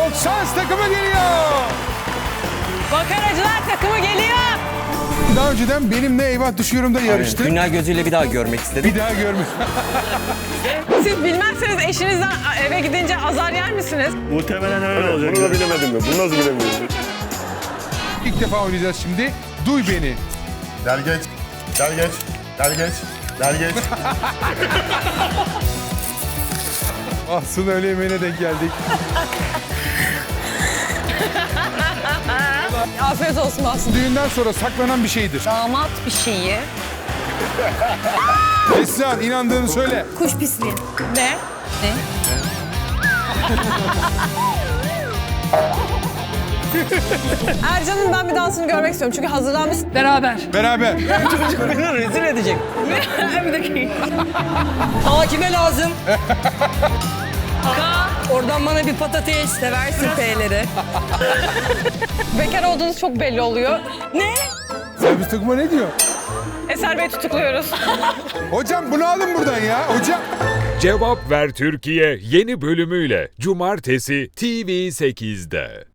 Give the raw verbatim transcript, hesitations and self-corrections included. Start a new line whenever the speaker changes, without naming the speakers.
Şans takımı geliyor.
Makaracılar takımı geliyor.
Daha önceden benimle eyvah düşüyorum da yarıştı.
Dünya gözüyle bir daha görmek istedim.
Bir daha görmüş.
Siz bilmezseniz eşinizden eve gidince azar yer misiniz?
Muhtemelen öyle olacak.
Bunu da bilemedim ya. Bunu nasıl bilemiyorum?
İlk defa oynayacağız şimdi. Duy beni.
Gel geç. Gel geç. Gel geç. Gel geç.
Aslında öğle yemeğine denk geldik.
Afiyet olsun aslında.
Düğünden sonra saklanan bir şeydir.
Damat bir şeyi.
Neslihan inandığını söyle.
Kuş pisliği.
Ne?
Ne?
Ercan'ın ben bir dansını görmek istiyorum çünkü hazırlanmış.
Beraber.
Beraber.
Beni rezil edecek.
Bir dakika.
Aa kime lazım? Oradan bana bir patates. Seversin P'leri.
Bekar olduğunuz çok belli oluyor.
Ne?
Servis takımı ne diyor?
Eser Bey tutukluyoruz.
Hocam bunu alın buradan ya. Hocam.
Cevap Ver Türkiye yeni bölümüyle Cumartesi T V sekizde.